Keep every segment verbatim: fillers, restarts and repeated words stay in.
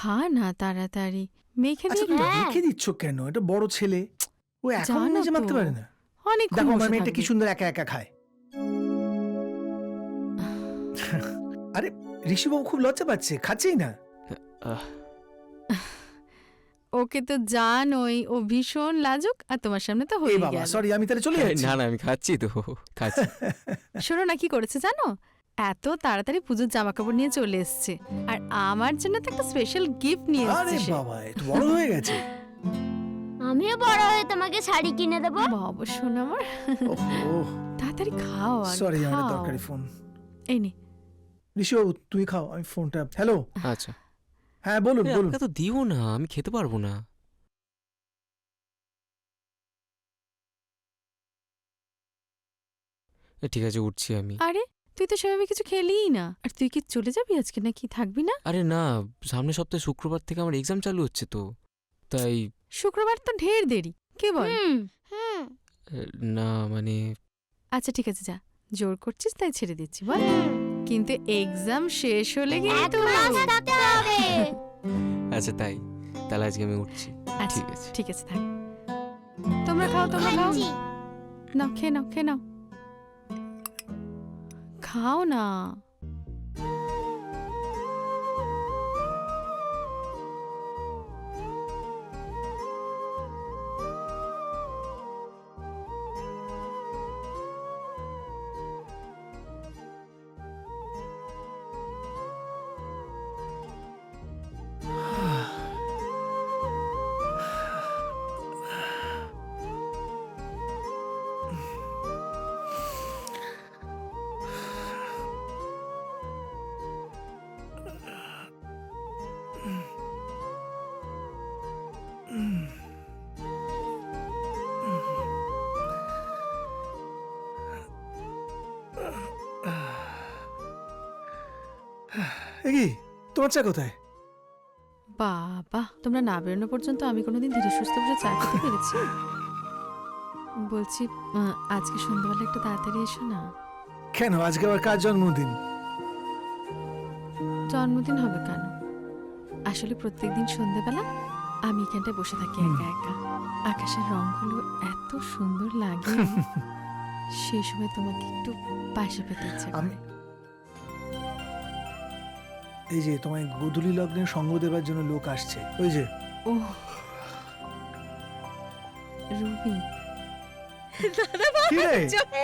খা না তাড়াতাড়ি, মেখে আচ্ছা দিয়ে। রেখে দিচ্ছ কেন? এটা বড় ছেলে, ও এখন জানো নিজে মাখতে তো, পারে না। অনেক দেখো আমার মেয়েটা কি সুন্দর একা একা খায়। আরে ঋষিবাবু খুব লজ্জা পাচ্ছে, খাচ্ছেই না। ওকে তো জানোই, ও ভীষণ লাজুক, আর তোমার সামনে তো হয়ে বাবা গেল। সরি, আমি তাহলে চলে যাচ্ছি। না না আমি খাচ্ছি তো, খাচ্ছি। শোনো না কি করেছে জানো, এত তাড়াতাড়ি পুজোর জামা কাপড় নিয়ে চলে এসছে, আর আমার জন্য তো একটা স্পেশাল গিফট নিয়ে আরে এসেছে। বাবা এত বড় হয়ে গেছে। আমিও বড় হয়ে তোমাকে শাড়ি কিনে দেবো। বাবা শোনো আমার, ওহো তাড়াতাড়ি খাও আর সরি, আমার খাও। দরকারি ফোন। এই নে। ঋষিবাবু তুই খাও, আমি ফোনটা। হ্যালো, আচ্ছা হ্যাঁ বলুন বলুন। তো দিও না, আমি খেতে পারবো না। ঠিক আছে উঠছি আমি। আরে তুই তো সেভাবে কিছু খেলিই না, আর তুই কি চলে যাবি আজকে নাকি থাকবি না? আরে না, সামনের সপ্তাহে শুক্রবার থেকে আমার এক্সাম চালু হচ্ছে তো, তাই। শুক্রবার তো ঢের দেরি, কে বল? হুম হুম না মানে আচ্ছা ঠিক আছে যা, জোর করছিস তাই ছেড়ে দিচ্ছি বল, কিন্তু এক্সাম শেষ হলে কিন্তু। এক মাস থাকতে হবে। আচ্ছা তাই, তাহলে আজকে আমি উঠছি। আচ্ছা, ঠিক আছে। ঠিক আছে থাক। তোমরা খাও, তোমরা খাও। খাচ্ছি। নাও খেয়ে নাও, খেয়ে নাও, খাও না। এ কি তোমার চা কোথায়? বাবা তোমরা না বেরোনো পর্যন্ত আমি কোনোদিন ধীরে সুস্থ বসে চা খেতে পেরেছি? বলছি আহ, আজকে সন্ধ্যাবেলা একটু তাড়াতাড়ি এসো না। কেন আজকে আবার কার জন্মদিন? জন্মদিন হবে কেন, আসলে প্রত্যেকদিন সন্ধ্যাবেলা আমি এখানটায় বসে থাকি একা একা, আকাশের রংগুলো এত সুন্দর লাগে, সেই সময় তোমাকে একটু পাশে পেতে ইচ্ছা আমি করে। এই যে তোমায় গোধূলি লগ্নে সঙ্গ দেবার জন্য লোক আসছে, ওই যে। ও রুবি, কি রে?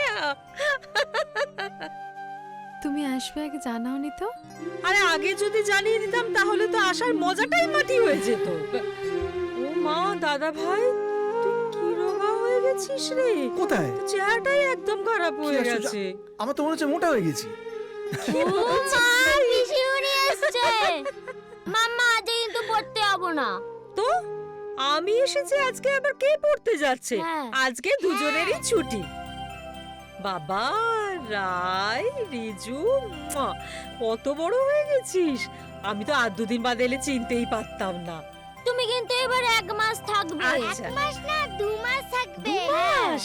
তুমি আসবে আগে জানাওনি তো? আরে আগে যদি জানিয়ে দিতাম তাহলে তো আসার মজাটাই মাটি হয়ে যেত। ও মা, দাদা ভাই তুই কি রোগা হয়ে গেছিস রে? কোথায়? তোর চেহারাটাই একদম খারাপ কি হয়ে আশ্চর্য! গেছে। আমার তো মনে হচ্ছে মোটা হয়ে গেছি। ও মা, পিসিমণি এসেছে। মাম্মা আজ কিন্তু পড়তে যাবো না। তো আমি এসেছি, আজকে আবার কে পড়তে যাচ্ছে? হ্যাঁ। আজকে দুজনেরই ছুটি। বাবা রাই, রিজু, মুয়া, কত বড় হয়ে গেছিস। আমি তো আর দুদিন বাদ এলে চিনতেই পারতাম না। তুমি কিন্তু এবার এক মাস থাকবে। আচ্ছা। এক মাস না, দু মাস থাকবে। দু মাস?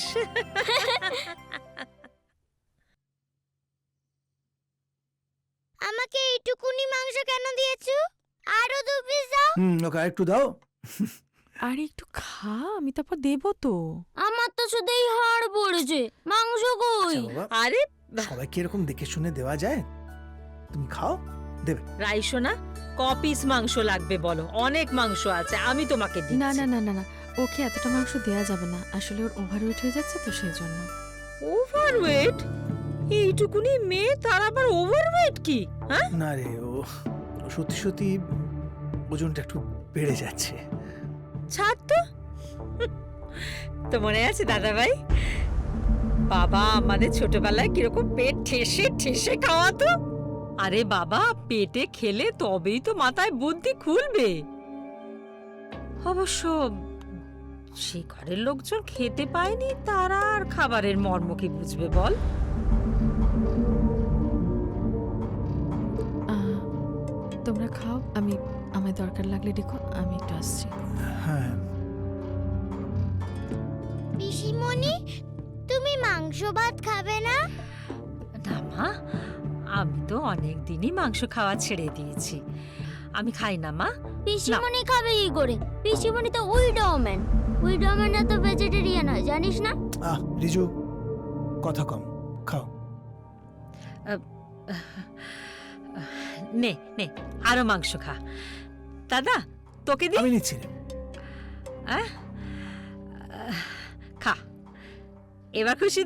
আমাকে এইটুকুনি মাংস কেন দিয়েছো? আরো দু পিস দাও। হুম ওকে একটু দাও। আরে একটু খা, আমি তারপর দেবো তো। আমার তো শুধুই হাড় পড়েছে, মাংস কই? আচ্ছা বাবা, আরে সবাইকে এরকম দেখে শুনে দেওয়া যায়? তুমি খাও, দেবে। রাইসো না, ক পিস মাংস লাগবে বলো? অনেক মাংস আছে, আমি তোমাকে দিচ্ছি। না না না না না, ওকে এতটা মাংস দেওয়া যাবে না, আসলে ওর ওভারওয়েট হয়ে যাচ্ছে তো সেই জন্য। ওভারওয়েট? এইটুকুনি মেয়ে, তার আবার ওভারওয়েট কি? হ্যাঁ, না রে, ও ও সত্যি সত্যি ওজনটা একটু বেড়ে যাচ্ছে। ছাড় তো। তো মনে আছে দাদা ভাই, বাবা আমাদের ছোটবেলায় কিরকম পেট ঠেসে ঠেসে খাওয়াতো? আরে বাবা, পেটে খেলে তবেই তো মাথায় বুদ্ধি খুলবে। অবশ্য সে ঘরের লোকজন খেতে পায়নি, তারা আর খাবারের মর্ম কি বুঝবে বল? আহ, তোমরা খাও, আমি আমার দরকার লাগলে দেখো, আমি একটু আসছি। হ্যাঁ পিসিমণি, তুমি মাংস ভাত খাবে না? না মা, আমি তো অনেক দিনই মাংস খাওয়া ছেড়ে দিয়েছি। আমি খাই না মা, পিসিমণি খাবে কি করে? পিসিমণি তো উইডোম্যান। উইডোম্যানরা তো ভেজিটেরিয়ান হয়, জানিস না? আহ রিজু, কথা কম, খাও। নে নে আরো মাংস খা। দাদা তোকে দি। আমি নিচ্ছি রে। আহ? খা, এবার খুশি